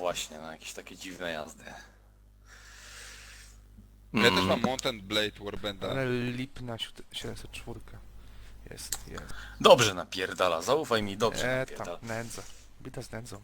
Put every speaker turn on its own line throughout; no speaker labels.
właśnie, no jakieś takie dziwne jazdy.
Ja też mam Mountain Blade Warbanda.
Ale lipna 704. Jest.
Dobrze napierdala, zaufaj mi, dobrze
Tam,
napierdala.
nędza. Bita z nędzą.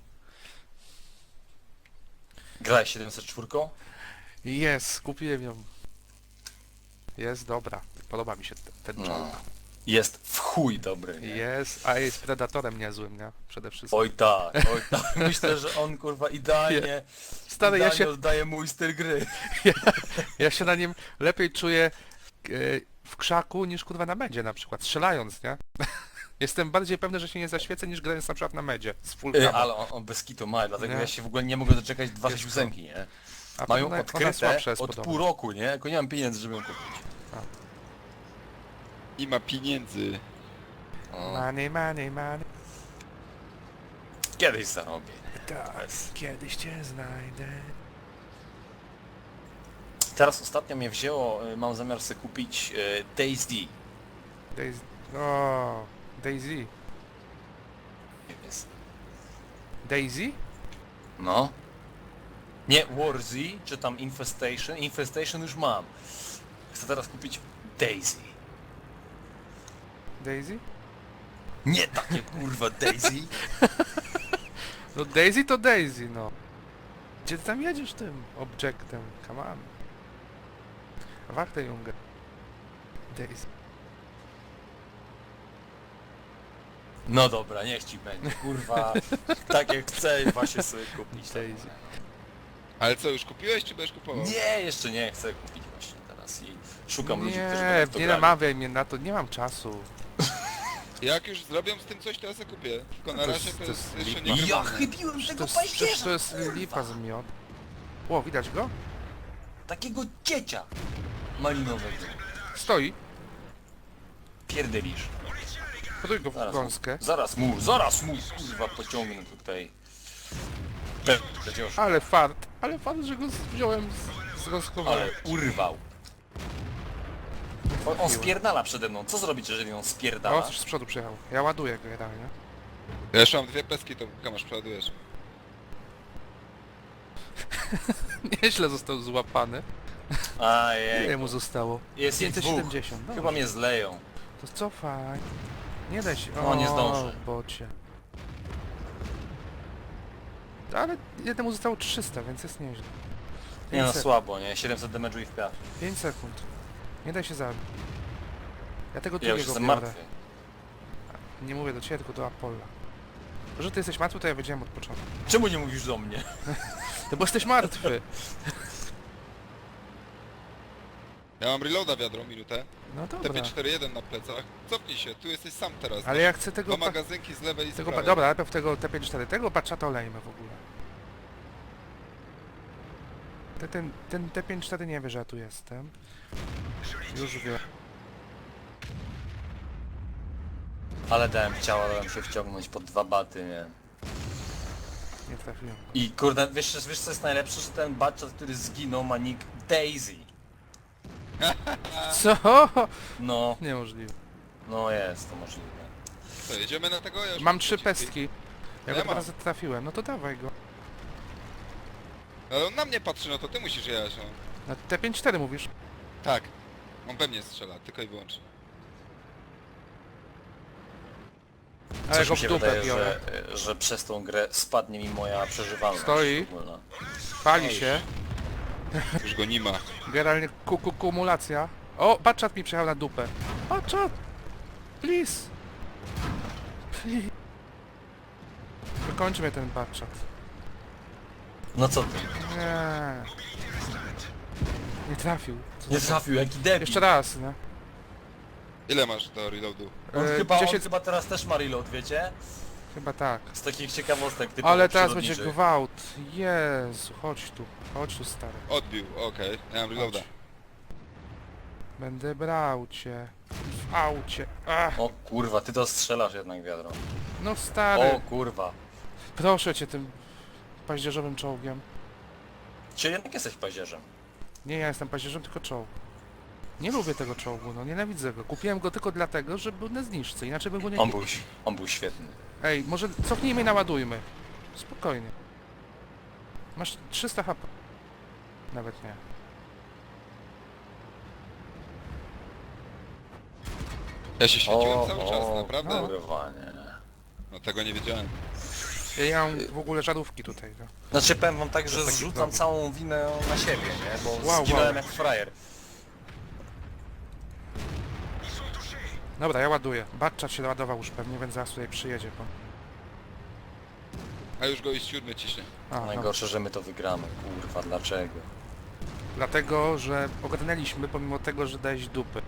Grałeś 704?
Jest, kupiłem ją. Jest dobra. Podoba mi się ten
No.
czołg.
Jest w chuj dobry, nie?
Jest, a jest predatorem niezłym, nie? Przede wszystkim.
Oj tak. Myślę, że on kurwa idealnie,
Stary,
idealnie oddaje mój styl gry.
ja się na nim lepiej czuję w krzaku niż kurwa na medzie na przykład, strzelając, nie? Jestem bardziej pewny, że się nie zaświecę niż grając na przykład na medzie z full camo.
Ale on bez kitu ma, dlatego
Nie.
ja się w ogóle nie mogę doczekać 268, nie?
A
Mają
ona
odkryte
słabsza jest
od
podobno.
pół roku, nie? Tylko nie mam pieniędzy, żeby ją kupić.
I ma pieniędzy.
O,
Money.
kiedyś zarobię.
Tak, kiedyś cię znajdę.
Teraz ostatnio mnie wzięło, mam zamiar sobie kupić DayZ.
Daisy. O, Daisy.
Jest.
Daisy?
No. Nie Warzy, czy tam Infestation. Infestation już mam. Chcę teraz kupić DayZ.
Daisy?
Nie takie kurwa DayZ.
No Daisy to Daisy, no. Gdzie ty tam jedziesz tym objectem? Come on. Warte Junge. Daisy.
No dobra, niech ci będzie, kurwa. Tak jak chcę właśnie sobie kupić.
Daisy.
Ale co, już kupiłeś, czy będziesz kupował?
Nie, jeszcze nie, chcę kupić właśnie teraz i szukam ludzi, którzy
Nie,
będą w to
nie
grali.
namawiaj mnie na to, nie mam czasu.
Jak już zrobią z tym coś, to ja sobie kupię. Tylko na
To
razie
jest-
to
to
jest
jest
jeszcze
lipa.
nie
Ja
grywane.
chybiłem tego
Przecież
paździerza,
to jest
kurwa.
lipa z miod. O, widać go?
Takiego ciecia malinowego.
Stoi.
Pierdelisz.
Poduj go w gąskę.
Zaraz mu, kurwa, pociągnę tutaj. Przecież,
Ale fart, że go wziąłem z gąskowania.
ale urwał. On spierdala przede mną. Co zrobić, jeżeli on
O,
spierdala?
coś z przodu przyjechał. Ja ładuję go generalnie.
Ja jeszcze mam dwie peski, to Kamasz przeładujesz.
Nieźle został złapany.
Ajej.
Ile mu zostało?
Jest ich dwóch.
570. Dobrze.
Chyba mnie zleją.
To cofaj. Nie da się.
No, nie zdążę.
Bocie. Ale jednemu zostało 300, więc jest nieźle.
Nie no,
500.
słabo, nie? 700 damage'u i w piach.
5 sekund. Nie daj się zabić. Ja tego
Ja już
drugiego
jestem
biorę.
martwy.
Nie mówię do ciebie, tylko do Apolla. To, że ty jesteś martwy, to ja wiedziałem od początku.
Czemu nie mówisz do mnie?
No bo jesteś martwy.
Ja mam reloada wiadro, minutę.
No dobra.
TP41 na plecach. Cofnij się, tu jesteś sam teraz.
Ale ja chcę tego...
Dwa magazynki z lewej i z
Tego,
prawej.
dobra, najpierw tego T54, tego baczata olejmy w ogóle. Ten T54 nie wie, że ja tu jestem. Już wie.
Ale dałem się wciągnąć pod 2 baty, nie?
Nie trafiłem.
I kurde, wiesz co jest najlepsze? Że ten batchat, który zginął, ma nick Daisy.
Co?
No,
Niemożliwe.
no jest to możliwe.
Co, jedziemy na tego? Ja już
Mam 3 pestki. Ja
Ja
go 2
mam.
razy trafiłem, no to dawaj go.
Ale on na mnie patrzy, no to ty musisz jechać, no.
Na T54 mówisz?
Tak. On we mnie strzela, tylko i wyłącznie.
Ale
Coś
go
mi
w
się
dupę
wydaje,
biorę.
że przez tą grę spadnie mi moja przeżywalność.
Stoi.
ogólna.
Pali się.
Już go nie ma.
Generalnie kumulacja. O, baczat mi przejechał na dupę. Baczat! Please! Please! Wykończy mnie ten baczat.
No co ty?
Nie. Nie trafił. Co
Nie
za-
trafił, jaki debil.
Jeszcze raz, nie?
Ile masz do reloadu?
On,
E,
chyba,
10
on chyba teraz też ma reload, wiecie?
Chyba tak.
Z takich ciekawostek typu
Ale teraz będzie gwałt. Jezu, chodź tu. Chodź tu, stary.
Odbił, okej. Ja mam reloada.
Chodź. Będę brał cię. W aucie. Ach,
O kurwa, ty to strzelasz jednak wiadro.
no stary.
O kurwa.
Proszę cię tym paździerzowym czołgiem.
Czy jednak jesteś paździerzem?
Nie, ja jestem paździerzem, tylko czołg. Nie lubię tego czołgu, no nienawidzę go. Kupiłem go tylko dlatego, że był na zniżce, inaczej bym go nie kupił.
On był świetny.
Ej, może cofnijmy i naładujmy. Spokojnie. Masz 300 HP. Nawet nie.
Ja się świeciłem
O,
cały czas, naprawdę?
no.
Kurwa, nie.
No tego nie wiedziałem.
Ja mam w ogóle żarówki tutaj, no.
Znaczy powiem wam tak, że
taki
zrzucam
problem.
całą winę na siebie, nie? Bo
Wow,
zginąłem
wow.
jak frajer.
Dobra, ja ładuję. Batchat się ładował już pewnie, więc zaraz tutaj przyjedzie. Bo...
A już go i z siódmy ciśnie.
A, no.
Najgorsze, że my to wygramy. Kurwa, dlaczego?
Dlatego, że ogarnęliśmy pomimo tego, że dałeś dupy.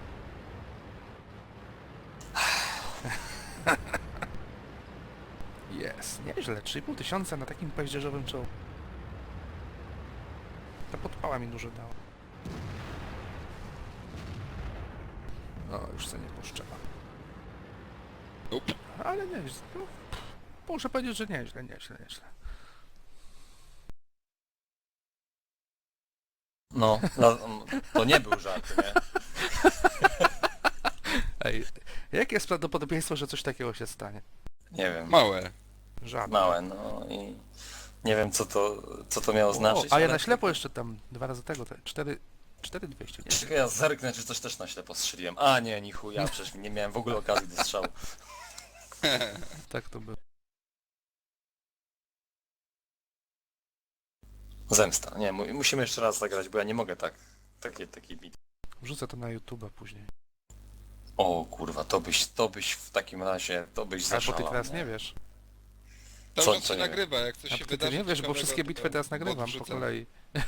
Jest, nieźle. 3500 na takim paździerzowym czołgu. Ta podpała mi dużo dała. No, już se nie poszczela.
Up.
Ale nieźle. No, muszę powiedzieć, że nieźle.
No, to nie był żart, nie?
Ej, jakie jest prawdopodobieństwo, że coś takiego się stanie?
Nie wiem.
Małe.
Żadne.
Małe, no i nie wiem co to miało znaczyć.
A ja
ale-
na ślepo jeszcze tam 2 razy tego, 4200.
Jeszcze tylko ja zerknę, czy coś też na ślepo strzeliłem. A nie, ni chuja, przecież nie miałem w ogóle okazji do strzału.
Tak to było.
Zemsta. Nie, musimy jeszcze raz zagrać, bo ja nie mogę tak. Taki bit.
Wrzucę to na YouTube'a później.
O kurwa, to byś w takim razie, to byś
Albo
zaszalał.
ty teraz nie wiesz.
Co-
Cały czas
co
się
nie wiem?
nagrywa, jak coś
A
się
ty
wydarzy
nie wiesz, bo
ciekawego,
wszystkie
to
bitwy teraz
bot
nagrywam po
wrzucę.
kolei.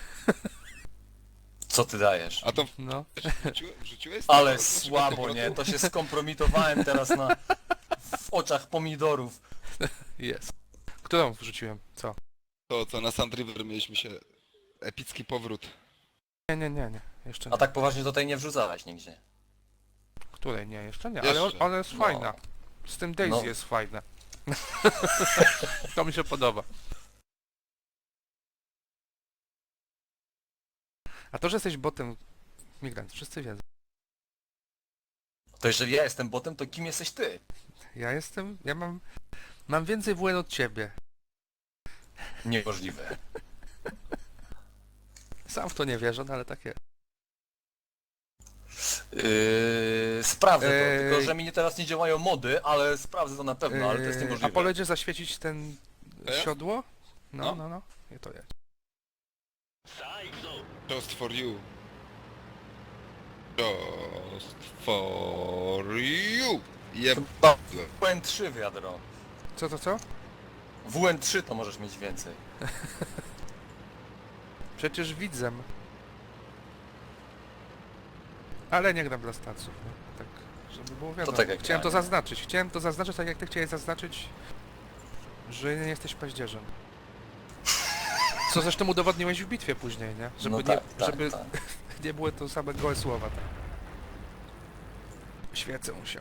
Co ty dajesz?
A to
No.
wrzuciłeś?
Ale
To z naszego
słabo,
powrotu?
nie? To się skompromitowałem teraz w oczach pomidorów.
Jest. Którą wrzuciłem? Co?
To co na Sand River mieliśmy się... Epicki powrót.
Nie. Jeszcze
A
nie.
tak poważnie tutaj nie wrzucałeś nigdzie.
Której nie, jeszcze nie.
Jeszcze.
Ale ona jest
No.
fajna. Z tym Daisy
No.
jest fajna. To mi się podoba. A to, że jesteś botem migrant, wszyscy wiedzą.
To jeżeli ja jestem botem, to kim jesteś ty?
Ja mam więcej WN od ciebie.
Niemożliwe.
Sam w to nie wierzę, no ale tak jest.
Sprawdzę to,
Ej.
tylko że mi teraz nie działają mody, ale sprawdzę to na pewno, ale to jest
A
niemożliwe.
poledzie zaświecić ten
Ja?
siodło?
No.
No. I to jest.
Just for you. Just for you. Jeb...
Chyba WN3 wiadro.
Co?
WN3 to możesz mieć więcej.
Przecież widzę. Ale nie gram dla staców, no. Tak, żeby było wiadomo.
tak jak
Chciałem
ja,
to
nie?
zaznaczyć. Chciałem to zaznaczyć tak jak ty chciałeś zaznaczyć, że nie jesteś paździerzem. Co zresztą udowodniłeś w bitwie później, nie? Żeby,
No
nie,
tak,
żeby
tak.
nie były to same gołe słowa. Tak. Świecę się.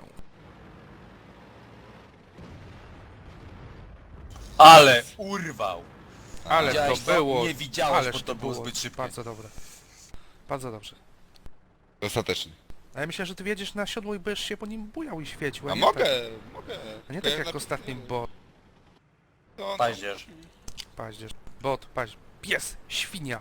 Ale urwał!
Ale
Widziałeś
to
to?
było...
Nie widziałeś,
ależ
bo to było zbyt szybkie.
Bardzo dobre. Bardzo dobrze.
Dostatecznie.
A ja myślę, że ty wiedziesz na siodło i będziesz się po nim bujał i świecił.
A
nie
mogę,
Tak,
mogę.
a nie
Tylko
tak
ja
jak
na-
ostatnim, bo...
No,
Paździerz.
Paździerz. Bot, pies, świnia.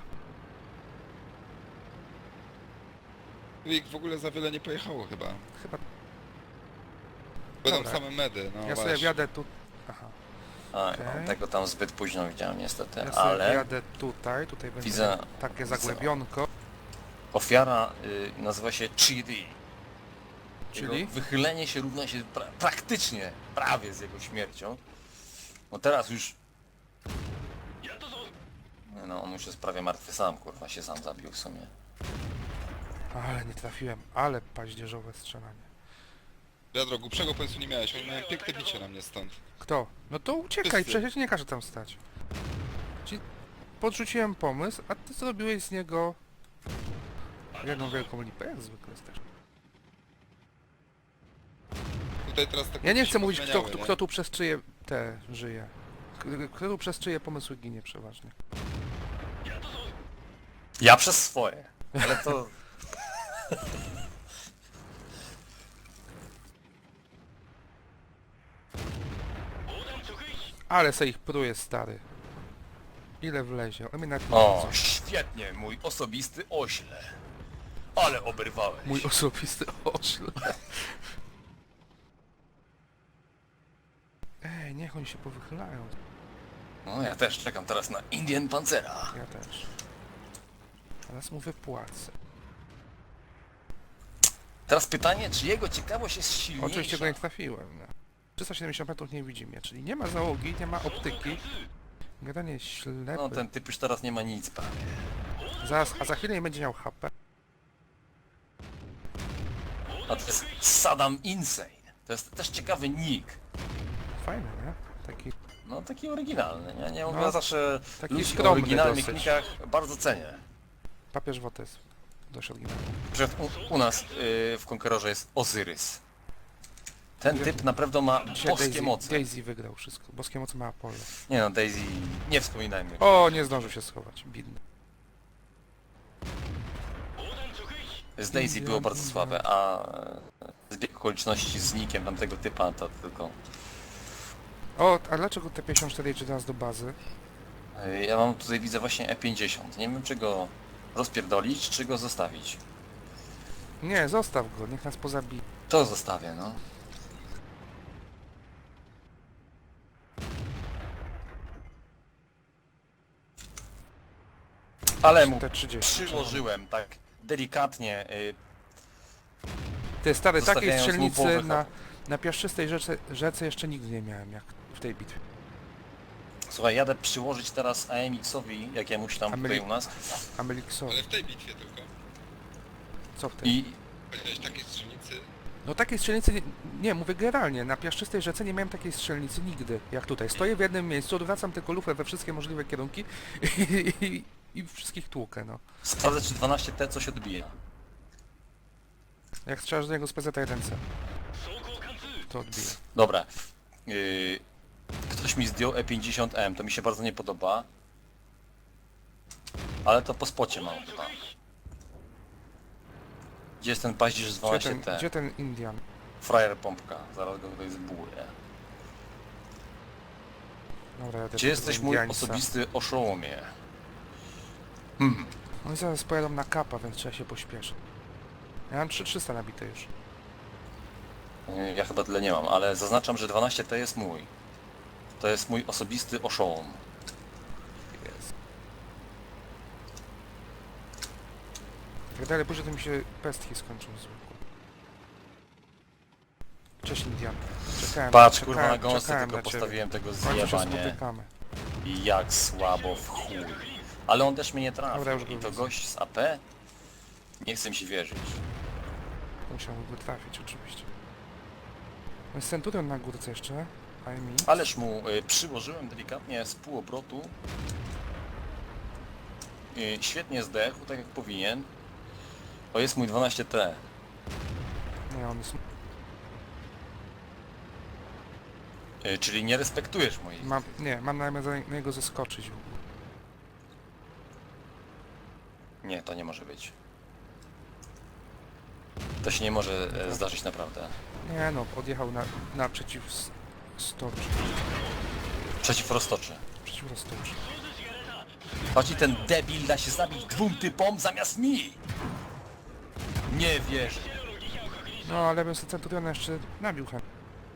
Ich w ogóle za wiele nie pojechało chyba.
Chyba
Będą
Dobra.
same medy, no
ja sobie
właśnie.
wjadę tu... Aha.
A,
Okej.
no, tego tam zbyt późno widziałem niestety,
Ja sobie
ale
wjadę tutaj będzie
Widzę-
takie
widzę.
zagłębionko.
ofiara nazywa się Chidi.
Czyli?
Jego wychylenie się równa się praktycznie prawie z jego śmiercią. No teraz już... No on już jest prawie martwy sam, kurwa, się sam zabił w sumie.
Ale nie trafiłem, ale paździerzowe strzelanie.
Wiadro, głupszego pomysłu nie miałeś, oni mają piękne bicie na mnie stąd.
Kto? No to uciekaj,
Wszyscy.
przecież nie każe tam stać. Ci podrzuciłem pomysł, a ty zrobiłeś z niego jedną wielką lipę, jak zwykle też.
Tutaj teraz tak
Ja nie
się
chcę mówić,
pozmieniały, nie?
kto tu przez czyje te żyje. Kto tu przez czyje pomysły ginie przeważnie.
Ja przez swoje, ale to...
Ale se ich pruje, stary. Ile wlezie? O mnie nawet nie
O,
widzą.
świetnie, mój osobisty ośle. Ale oberwałeś.
Mój osobisty oszl. Ej, niech oni się powychylają.
No ja też czekam teraz na Indian Pancera.
Ja też. Teraz mu wypłacę.
Teraz pytanie, czy jego ciekawość jest silniejsza?
Oczywiście go nie trafiłem. No. 370 metrów nie widzi mnie, czyli nie ma załogi, nie ma optyki. Gadanie jest ślepy.
No ten typ już teraz nie ma nic prawie.
Zaraz, a za chwilę nie będzie miał HP.
A to jest Saddam Insane. To jest też ciekawy nick.
Fajny, nie? Taki
No taki oryginalny, nie? Nie mówię,
No,
ja zawsze
taki
ludzi o
skromny
oryginalnych
dosyć.
nickach bardzo cenię.
papież Wotes. Dość oryginalny.
Na przykład u nas w Conquerorze jest Ozyrys. Ten typ naprawdę ma
Dzisiaj
boskie moce.
Daisy wygrał wszystko. Boskie moce ma Apollo.
Nie no, Daisy, nie wspominajmy.
O, nie zdążył się schować. Bidny.
Z Daisy było bardzo
Indian.
słabe, a zbieg okoliczności z nickiem tamtego typa to tylko...
O, a dlaczego T-54 jedzie do nas do bazy?
Ja mam tutaj, widzę właśnie E50. Nie wiem, czy go rozpierdolić, czy go zostawić.
Nie, zostaw go, niech nas pozabije.
To zostawię, no. Ale mu
T-30.
przyłożyłem tak delikatnie.
Ty, stary, takiej
Zostawiając mu
strzelnicy
połowę
na piaszczystej rzece jeszcze nigdy nie miałem, jak w tej bitwie.
Słuchaj, jadę przyłożyć teraz AMX-owi jakiemuś tam tutaj u nas
Ameliksowi.
Ale w tej bitwie tylko.
Co w tym?
i
Powiedziałeś takiej strzelnicy.
No takiej strzelnicy, nie, mówię generalnie, na piaszczystej rzece nie miałem takiej strzelnicy nigdy, jak tutaj. Stoję w jednym miejscu, odwracam tylko lufę we wszystkie możliwe kierunki i wszystkich tłukę, no.
sprawdzę, czy 12T coś odbije.
Jak strzelasz do niego z PZ-1C, to odbije.
Dobra. Ktoś mi zdjął E50M, to mi się bardzo nie podoba. Ale to po spocie mam chyba. Gdzie jest ten paździerz z
Gdzie
12T?
ten Indian?
Frajer pompka, zaraz go tutaj zbuję.
Dobra, ja też
Gdzie jesteś mój
Indiańca.
osobisty oszołomie?
Oni zaraz pojadą na kapa, więc trzeba się pośpieszyć. Ja mam 3300 nabite już.
Ja chyba tyle nie mam, ale zaznaczam, że 12T jest mój. To jest mój osobisty oszołom.
Jest. Jak dalej pójdzie, to mi się pestki skończą z łuku. Cześć Indian. Czekałem,
Patrz,
czekałem,
kurwa, na gąsce
czekałem
tylko
na ciebie.
postawiłem tego
W końcu się
zjeba, nie?
spotykamy.
I jak słabo w chuj. Ale on też mnie nie trafił.
Dobra, już go
I to
widzę.
gość z AP? Nie chcę mi się wierzyć.
Musiałby trafić oczywiście. No jest Centurion na górce jeszcze. Fajnie.
Ależ mu przyłożyłem delikatnie z półobrotu. Świetnie zdechł, tak jak powinien. To jest mój 12T.
Nie, on jest...
Czyli nie respektujesz moich.
Mam na niego zeskoczyć w ogóle.
Nie, to nie może być. To się nie może zdarzyć naprawdę.
Nie no, odjechał na przeciwstocz.
Przeciw roztoczy.
Przeciw roztoczy.
Patrz, i ten debil da się zabić dwóm typom zamiast mi! Nie wierzę.
No ale bym sobie Centuriona jeszcze nabił chętnie.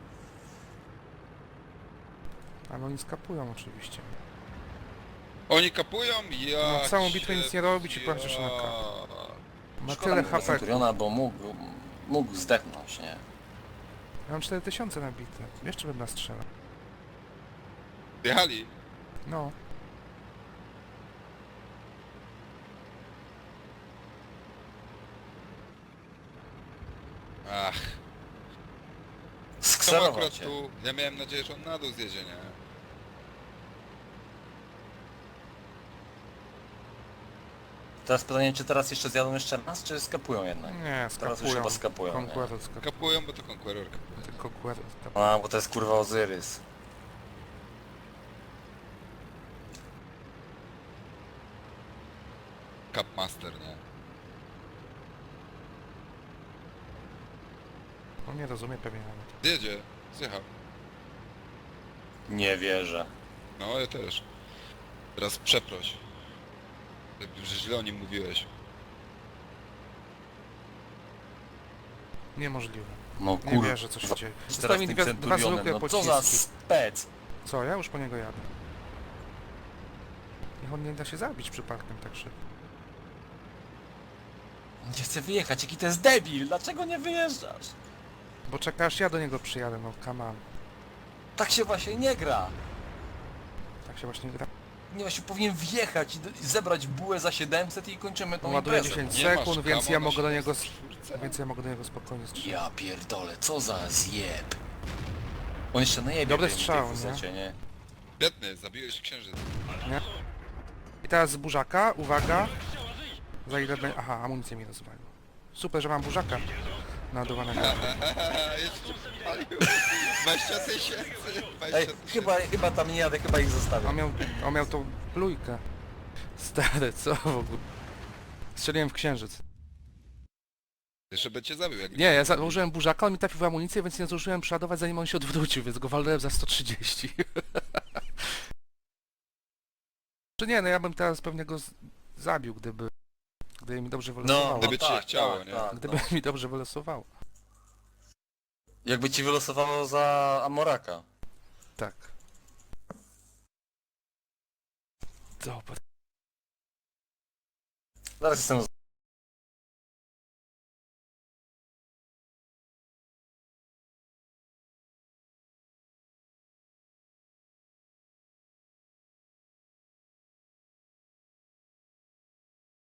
Ale oni skapują oczywiście.
Oni kapują? Ja
No, całą bitwę nic nie robić i patrzysz na kap. Ma
Szkoda
tyle
mi tego
HP.
Centuriona, bo mógł zdechnąć, nie?
Ja mam 4000 nabite. Jeszcze bym nastrzelał.
Jechali.
No.
Ach. Czemu
Skserował
akurat
cię.
tu? Ja miałem nadzieję, że on na dół zjedzie, nie?
Teraz pytanie, czy teraz jeszcze zjadą jeszcze raz, czy skapują jednak?
Nie,
Teraz już
skapują.
chyba skapują, nie?
Conqueror skapuje.
Kapują, bo to Conqueror kapuje.
Conqueror skapuje.
A, bo to jest kurwa Ozyrys.
Capmaster, nie?
On nie rozumie pewnie nawet.
Teraz przeproś. Że źle o nim mówiłeś.
Niemożliwe.
No
Nie
kur...
wierzę, co się dzieje.
Teraz
Zostały mi
tym
dwa
Centurionem,
zwykłe
no co
pociski.
za spec!
Co, ja już po niego jadę. Niech on nie da się zabić przypadkiem tak szybko.
Nie chcę wyjechać, jaki to jest debil! Dlaczego nie wyjeżdżasz?
Bo czeka aż ja do niego przyjadę, no come on.
Tak się właśnie nie gra!
Tak się właśnie gra.
Nie właśnie powinien wjechać i zebrać bułę za 700 i kończymy tą
On ładuje
imprezę.
10
Nie masz
sekund, więc
kamo
ja
na
mogę do niego...
74?
Więc ja mogę do niego spokojnie strzelać.
Ja pierdolę, co za zjeb! On jeszcze najebie
Dobry
w tej
strzał,
fusecie, nie?
Świetny, zabiłeś księżyc.
Nie? I teraz z burzaka, uwaga. Za ile będzie... Aha, amunicję mi rozwalił. Super, że mam burzaka naładowanego.
Jeszcze palił. 20 tysięcy. 20
Ej,
tysięcy.
chyba tam nie jadę, chyba ich zostawię.
On miał tą plujkę. Stary, co w ogóle? Strzeliłem w księżyc.
Jeszcze by cię zabił, jak...
Nie, ja założyłem burzaka, on mi trafił w amunicję, więc nie zdążyłem przeładować, zanim on się odwrócił, więc go walnąłem za 130. Czy nie, no ja bym teraz pewnie go zabił, gdyby mi dobrze wylosowało.
Gdyby ci się chciało, nie?
Gdyby
no.
mi dobrze wylosowało.
Jakby ci wylosowało za Amoraka.
Tak. Dobra.
Zaraz jestem